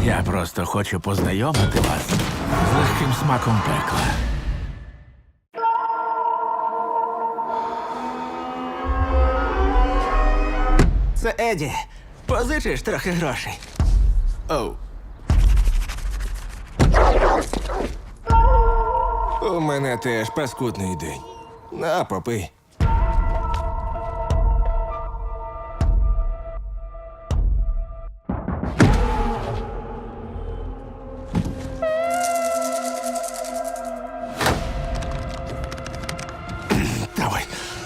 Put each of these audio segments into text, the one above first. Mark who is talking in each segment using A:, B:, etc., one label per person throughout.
A: Я просто хочу познайомити вас з легким смаком пекла.
B: Це Еді. Позичиш трохи грошей.
A: Оу.
C: У мене теж паскудний день. На, попий.
A: Давай.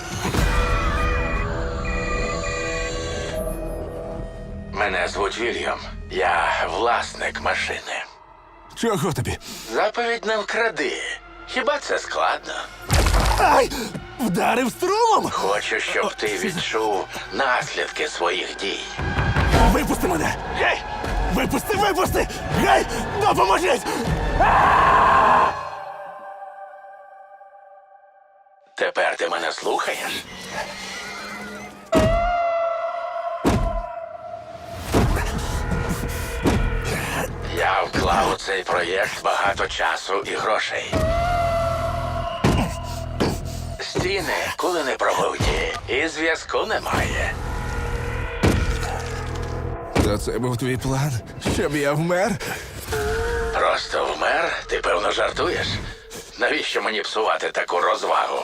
A: Мене звуть Вільям. Я власник машини.
C: Чого тобі?
A: Заповідь не вкради. Хіба це складно?
C: Ай! Вдарив струмом!
A: Хочу, щоб ти відчув наслідки своїх дій.
C: Випусти мене! Гей! Випусти, випусти! Гей! Допоможіть!
A: Тепер ти мене слухаєш? Я вклав у цей проєкт багато часу і грошей. Стіни коли не пробуті, і зв'язку немає.
C: То це був твій план? Щоб я вмер?
A: Просто вмер? Ти, певно, жартуєш? Навіщо мені псувати таку розвагу?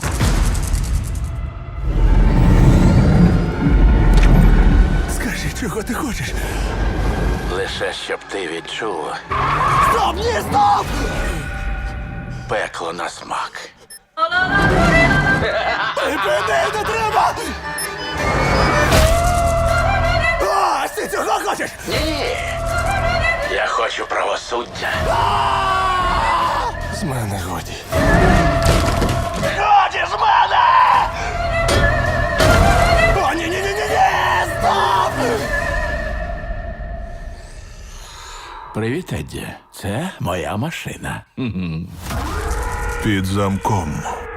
C: Скажи, чого ти хочеш?
A: Лише щоб ти відчув
C: Стоп! Ні, стоп!
A: пекло на смак.
C: Припини, не треба! Ось ти цього хочеш!
A: Ні. Я хочу правосуддя.
C: З мене годі.
A: Годі з мене!
C: О, ні-ні-ні-ні! Стоп!
A: Привіт, Едді. Це моя машина.
D: Під замком.